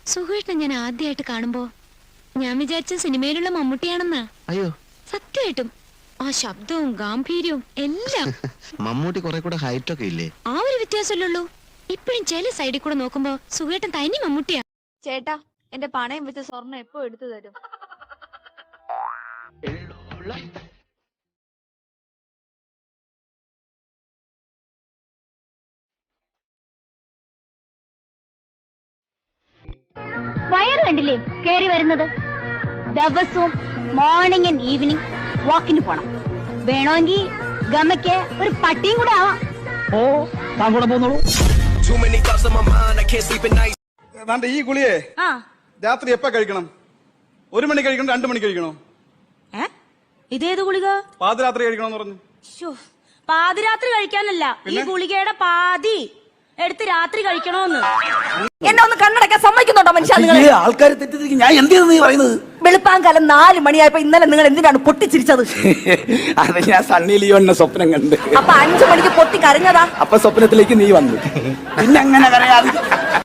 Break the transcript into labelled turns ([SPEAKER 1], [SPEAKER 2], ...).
[SPEAKER 1] സുഖേട്ടനെ ഞാൻ ആദ്യമായിട്ട് കാണുമ്പോ ഞാൻ വിചാരിച്ച സിനിമയിലുള്ള മമ്മൂട്ടിയാണെന്നാ.
[SPEAKER 2] അയ്യോ
[SPEAKER 1] സത്യമായിട്ടും ആ ശബ്ദവും ഗാംഭീര്യവും എല്ലാം.
[SPEAKER 2] മമ്മൂട്ടി കുറെ കൂടെ ഹൈറ്റ് ഒക്കെ ഇല്ലേ?
[SPEAKER 1] ആ ഒരു വ്യത്യാസമല്ലുള്ളൂ. ഇപ്പഴും ചില സൈഡിൽ കൂടെ നോക്കുമ്പോ സുഖേട്ടൻ തനി മമ്മൂട്ടിയാ.
[SPEAKER 3] ചേട്ടാ, എന്റെ പണയം വെച്ച സ്വർണ്ണം എപ്പോ എടുത്തു തരും?
[SPEAKER 4] വയറ് കണ്ടില്ലേ കേറി വരുന്നത്? ദിവസവും മോർണിംഗ് ആൻഡ് ഈവനിങ് വാക്കിന് പോണം. വേണമെങ്കിൽ ഗമയ്ക്ക് ഒരു പട്ടിയും കൂടെ ആവാം.
[SPEAKER 5] ഓ താൻ കൂടെ പോന്നോളൂ.
[SPEAKER 6] ഈ ഗുളിയെ രാത്രി എപ്പ കഴിക്കണം? 1 മണി കഴിക്കണം, 2 മണി കഴിക്കണോ?
[SPEAKER 7] ഇതേത് ഗുളിക?
[SPEAKER 6] പാതിരാത്രി കഴിക്കണോന്ന് പറഞ്ഞു.
[SPEAKER 7] പാതിരാത്രി കഴിക്കാനല്ല, ഈ ഗുളികയുടെ പാതി എടുത്ത് രാത്രി കഴിക്കണോന്ന്.
[SPEAKER 3] എന്നെ ഒന്ന് കണ്ണടക്കാൻ സമ്മതിക്കുന്നുണ്ടോ മനുഷ്യ?
[SPEAKER 5] ആൾക്കാർ തെറ്റിദ്ധരിക്കും. ഞാൻ എന്തിനാ നീ പറയുന്നത്?
[SPEAKER 3] വെളുപ്പാങ്കാലം 4 മണിയായപ്പോ ഇന്നലെ നിങ്ങൾ എന്തിനാണ് പൊട്ടിച്ചിരിച്ചത്?
[SPEAKER 5] അത് ഞാൻ സണ്ണി ലിയോന്റെ സ്വപ്നം കണ്ട്.
[SPEAKER 3] അപ്പൊ 5 മണിക്ക് പൊട്ടി കരഞ്ഞതാ.
[SPEAKER 5] അപ്പൊ സ്വപ്നത്തിലേക്ക് നീ വന്നു. പിന്നെ അങ്ങനെ കരയാതെ